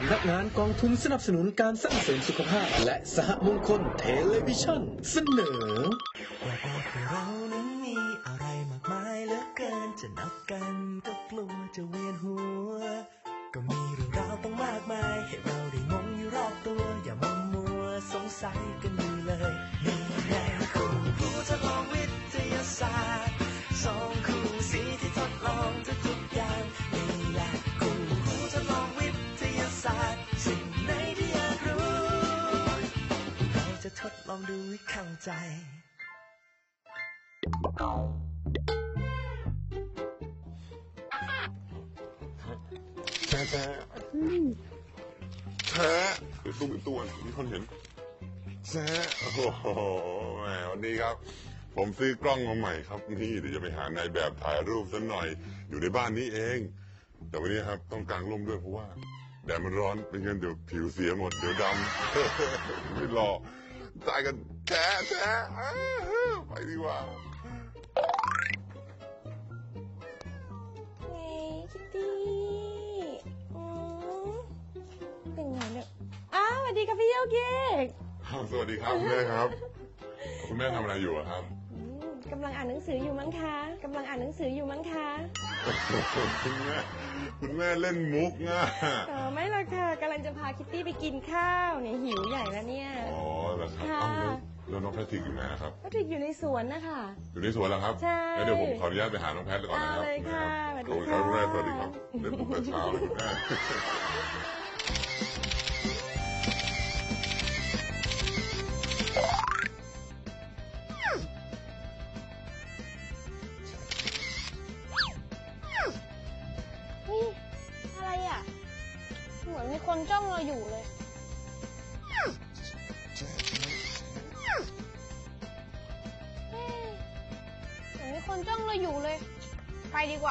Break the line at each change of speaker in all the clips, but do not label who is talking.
ำนักงานกองทุนสนับสนุนการสร้างเสริมสุขภาพและสหมงคลเทเลวิชั่นเสนอ
ว่าเรานั้นมีอะไรมากมายเหลือเกินจะนับกันก็กลัวจะเวียนหัวก็มีเรื่องราวต้องมากมายให้เราได้งงอยู่รอบตัวอย่ามัวสงสัยกันอยู่เลยนี่แน่คู่หูทดลองวิทยาศาสตร์สองคู่สีที่ทดลองทุกอย่างนี่แหละคู่หูทดลองวิทยาศาสตร์สิ่งไหนที่อยากรู้เราจะทดลองดูให้เข้าใจ
แช่ตัวมีคนเห็นแช่โอ้โหแหมวันนี้ครับผมซื้อกล้องมาใหม่ครับนี่เดี๋ยวจะไปหานายแบบถ่ายรูปสักหน่อยอยู่ในบ้านนี้เองแต่วันนี้ครับต้องกางร่มด้วยเพราะว่าแดดมันร้อนเป็นงั้นเดี๋ยวผิวเสียหมดเดี๋ยวดำไม่รอตายกันแช่ไปดีกว่า
คิตตี้เป็นไงเนี่ยสวัสดีครับพี่โยเกก
สวัสดีครับแม่ครับคุณแม่ทำอะไรอยู่ครับ
กำลังอ่านหนังสืออยู่มั้งคะคุณ
แม่เล่นมุกง่ะ
ไม่หรอกค่ะกำลังจะพาคิตตี้ไปกินข้าวเนี่ยหิวใหญ่แล้วเนี่ย
อ๋อเหรอครับแล้วน้องแพทริกอยู่ไหนครับ
แพทริกอยู่ในสวนนะคะ
อยู่ในสวนเหรอครับ
ใช่
แล้วเดี๋ยวผมขออนุญาตไปหาน้องแพทก่อนนะครับ
เลยค่ะสวัสดี
ครับแม่สวัสดีครับเดี๋ยวผมไปเช้าเลยแม่
อะไรอ่ะเหมือนมีคนจ้องเราอยู่เลยเหมือนมีคนจ้องเราอยู่เลยไปดีกว่า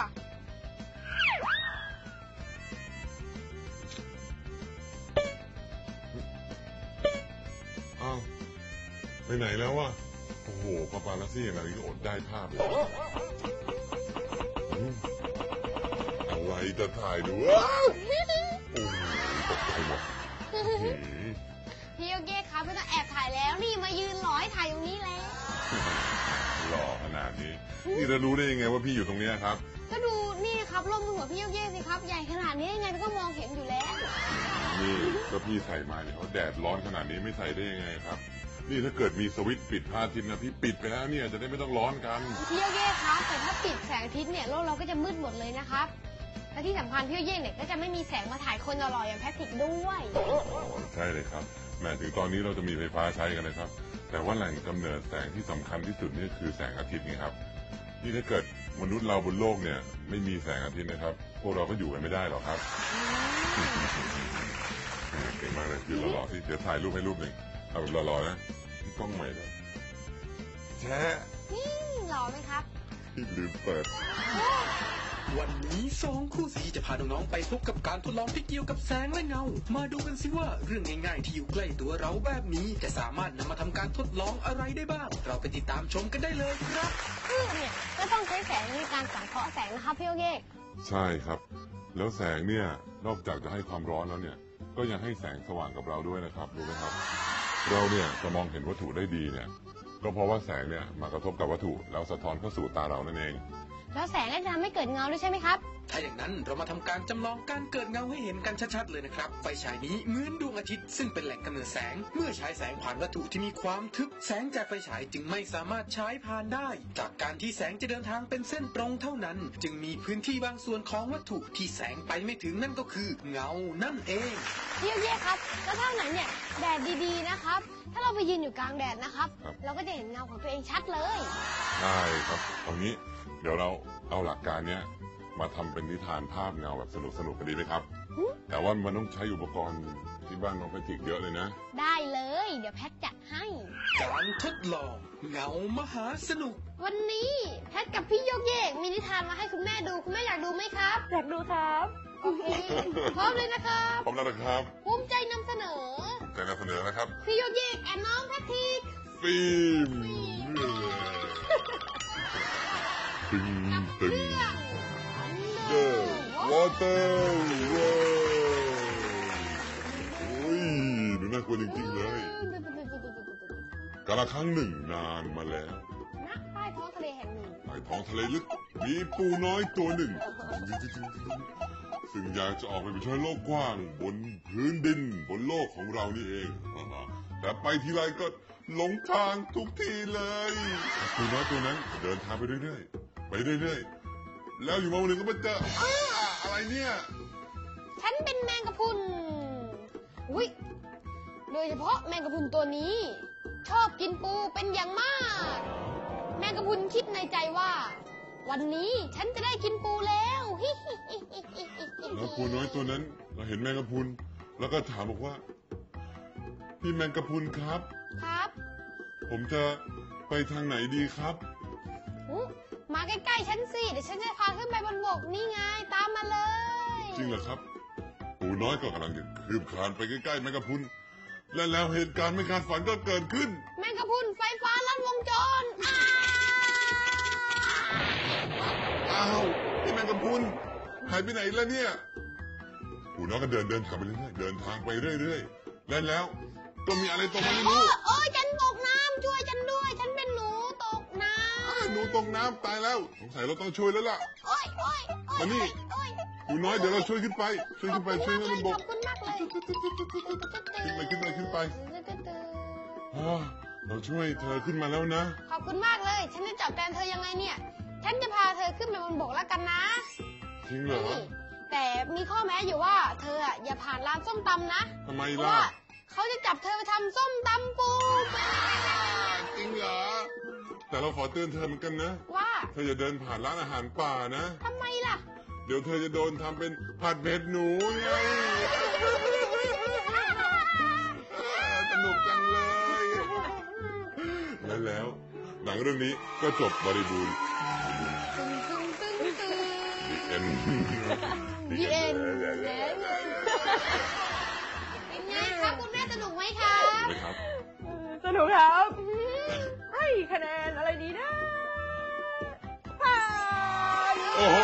อ้าวไปไหนแล้ววะโอ้โหปาปาลัสซี่อะไรก็อดได้ภาพเลยอะไรจะถ่ายดูโอ้โหตกใจหมด
พี่โยเกะครับไม่ต้องแอบถ่ายแล้วนี่มายืนรอให้ถ่ายตรงนี้แล้ว
หล่อขนาดนี้นี่จะรู้ได้ยังไงว่าพี่อยู่ตรงนี้ครับ
ก็ดูนี่ครับร่มหัวพี่โยเกะสิครับใหญ่ขนาดนี้ยังไงก็มองเห็นอยู่แล้ว
นี่ก็พี่ใส่มาเนี่ยเขาแดดร้อนขนาดนี้ไม่ใส่ได้ยังไงครับนี่ถ้าเกิดมีสวิตช์ปิดพระอาทิตย์นะพี่ปิดไปแล้วเนี่ยจะได้ไม่ต้องร้อนกัน
พี่โยเกะครับแต่ถ้าปิดแสงอาทิตย์เนี่ยโลกเราก็จะมืดหมดเลยนะครับและที่สำคัญพี่โยเกะเนี่ยก็จะไม่มีแสงมาถ่ายคนหล่อๆอย่างแพทริกด้วย
ใช่เลยครับแม้ถึงตอนนี้เราจะมีไฟฟ้าใช้กันเลยครับแต่ว่าแหล่งกำเนิดแสงที่สำคัญที่สุดนี่คือแสงอาทิตย์นี่ครับนี่ถ้าเกิดมนุษย์เราบนโลกเนี่ยไม่มีแสงอาทิตย์นะครับพวกเราก็อยู่กันไม่ได้หรอกครับเก่งมากเลยยืนหล่อๆที่เดี๋ยวถ่ายรูปให้รูปหนึ่งเอาแบบหล่อๆนะที่กล้องใหม่ด้วยแช่
หล่อไหมครับ
ลืมเปิด
วันนี้2คู่สีจะพาน้องๆไปพบกับการทดลองที่เกี่ยวกับแสงและเงามาดูกันสิว่าเรื่องง่ายๆที่อยู่ใกล้ตัวเราแบบนี้จะสามารถนำมาทำการทดลองอะไรได้บ้างเราไปติดตามชมกันได้เลยครับ
เนี่ยก็ต้องใช้แสงในการสังเคราะห์แสงนะครับพี่โอเกะ
ใช่ครับแล้วแสงเนี่ยนอกจากจะให้ความร้อนแล้วเนี่ยก็ยังให้แสงสว่างกับเราด้วยนะครับรู้ไหมครับเราเนี่ยจะมองเห็นวัตถุได้ดีเนี่ยก็เพราะว่าแสงเนี่ยมากระทบกับวัตถุแล้วสะท้อนเข้าสู่ตาเรานั่นเอง
แล้วแสงก็จะทำให้เกิดเงาด้วยใช่ไหมครับ
ถ้าอย่างนั้นเรามาทำการจำลองการเกิดเงาให้เห็นกันชัดๆเลยนะครับไฟฉายนี้เหมือนดวงอาทิตย์ซึ่งเป็นแหล่งกำเนิดแสงเมื่อฉายแสงผ่านวัตถุที่มีความทึบแสงจากไฟฉายจึงไม่สามารถฉายผ่านได้จากการที่แสงจะเดินทางเป็นเส้นตรงเท่านั้นจึงมีพื้นที่บางส่วนของวัตถุที่แสงไปไม่ถึงนั่นก็คือเงานั่นเอง
พี่เย่ครับแล้วถ้าไหนเนี่ยแดดดีๆนะครับถ้าเราไปยืนอยู่กลางแดดนะครับเราก็จะเห็นเงาของตัวเองชัดเลย
ใช่ครับตรงนี้เดี๋ยวเราเอาหลักการเนี้ยมาทำเป็นนิทานภาพเงาแบบสนุกกันดีไหมครับแต่ว่ามันต้องใช้อุปกรณ์ที่บ้านน้องแพทริกเยอะเลยนะ
ได้เลยเดี๋ยวแพทจัดให้
การทดลองเงามหาสนุก
วันนี้แพทกับพี่โยเกะมีนิทานมาให้คุณแม่ดูคุณแม่อยากดูไหมครับอยากดูครับโอเคพร้อมเลยนะครับ
พร้อมแล้วนะครับ
ภูมิใจนำเสนอ
นะครับ
พี่โยเกะแอนน้องแพทริก
ฟิล์มตึงWater World กลัวจริงๆเลยกาลครั้งหนึ่งนานมาแล้ว
ณใต้ท้องทะเลแห่งหนึ่ง
ใต้ท้องทะเลลึกมีปูน้อยตัวหนึ่ง ซึ่งอยากจะออกไปเผชิญโลกกว้างบนพื้นดินบนโลกของเรานี่เอง แต่ไปทีไรก็หลงทางทุกทีเลยปูน้อยตัวนั้นเดินทางไปเรื่อยๆแล้วอยู่มาวันหนึ่งก็มาเจออะไรเนี่ย
ฉันเป็นแมงกะพรุนอุ้ยโดยเฉพาะแมงกะพรุนตัวนี้ ชอบกินปูเป็นอย่างมาก แมงกะพรุนคิดในใจว่า วันนี้ฉันจะได้กินปูแล้ว
แล้วปูน้อยตัวนั้นเราเห็นแมงกะพรุนแล้วก็ถามบอกว่าพี่แมงกะพรุนครับ
ครับ
ผมจะไปทางไหนดีครับ
อุ๊มาใกล้ๆฉันสิเดี๋ยวฉันจะพาขึ้นไปบนบกนี่ไงตามมาเลย
จริงเหรอครับปูน้อยก็กำลังจะคืบคลานไปใกล้ๆแมงกะพรุนและแล้วเหตุการณ์ไม่คาดฝันก็เกิดขึ้น
แมงกะพรุนไฟฟ้าลัดวงจร
อ้าวพี่แมงกะพรุนหายไปไหนแล้วเนี่ยปูน้อยก็เดินทางไปเรื่อยๆเดินทางไปเรื่อยๆแล้วก็มีอะไรตกมาไม่รู้
โอ้ยฉันตกน้ำช่วยฉันด้วย ฉันเป็นหนูตกน้ำ
หนูตกน้ำตายแล้วสงสัยเราต้องช่วยแล้วล่ะ
โอ้ย
มานี่ ปูน้อยเดี๋ยวเราช่วยขึ้นไปช่วยให้มันบ
ข
ก
อบคุณมากเลย
ขึ้นไปเราช่วยเธอขึ้นมาแล้วนะ
ขอบคุณมากเลย ฉันจะจับแทนเธอยังไงเนี่ย ฉันจะพาเธอขึ้นไปบนบกแล้วกันนะ
จริงเหรอ
นี่แต่มีข้อแม้อยู่ว่าเธออะอย่าผ่านร้านส้มตำนะ
ทำไม
เพราะ
ล่ะ
ว่าเขาจะจับเธอไปทำส้มตำปู
จริงเหรอแต่เราขอเตือนเธอเหมือนกันนะ
ว่า
เธออย่าเดินผ่านร้านอาหารป่านะ
ทำไมล่ะ
เดี๋ยวเธอจะโดนทำเป็นผัดเผ็ดหนูไงสนุกจังเลยแล้วหนังเรื่องนี้ก็จบบริบูรณ์
ตึงตึงตึงตึง
เอ็น
ดีเอ็นเป็นไงครับคุณแม่สนุกไหมครับ
ไหมครับ
สนุกครับให้คะแนนอะไรดีนะผ่าน
โอ้โห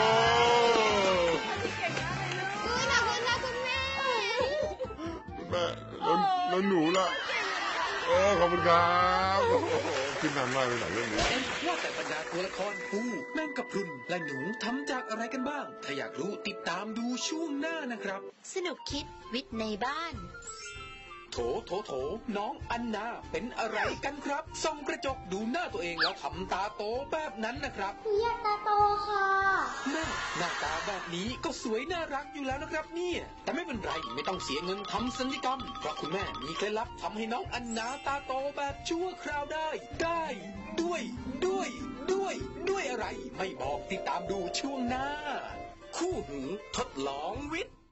เก่งมากเลยลูก
ขอบคุณนะคุณแม่
แม่แล้วหนูล่ะโอ้ขอบคุณครับโอ้โหขึ้นนานมากเลยหนังเรื่องนี้
ว่าแต่บรรดาตัวละครปูแมงกะพรุนและหนูทำจากอะไรกันบ้าง ถ้าอยากรู้ติดตามดูช่วงหน้านะครับ
สนุกคิดวิทย์ในบ้าน
โถน้องอันนาเป็นอะไรกันครับส่องกระจกดูหน้าตัวเองแล้วทำตาโตแบบนั้นนะครับ
อยากตาโตค่ะ
แม่หน้าตาแบบนี้ก็สวยน่ารักอยู่แล้วนะครับเนี่ยแต่ไม่เป็นไรไม่ต้องเสียเงินทำศัลยกรรมเพราะคุณแม่มีเคล็ดลับทำให้น้องอันนาตาโตแบบชั่วคราวได้ด้วยอะไร ไม่บอกติดตามดูช่วงหน้า คู่หูทดลองวิทย์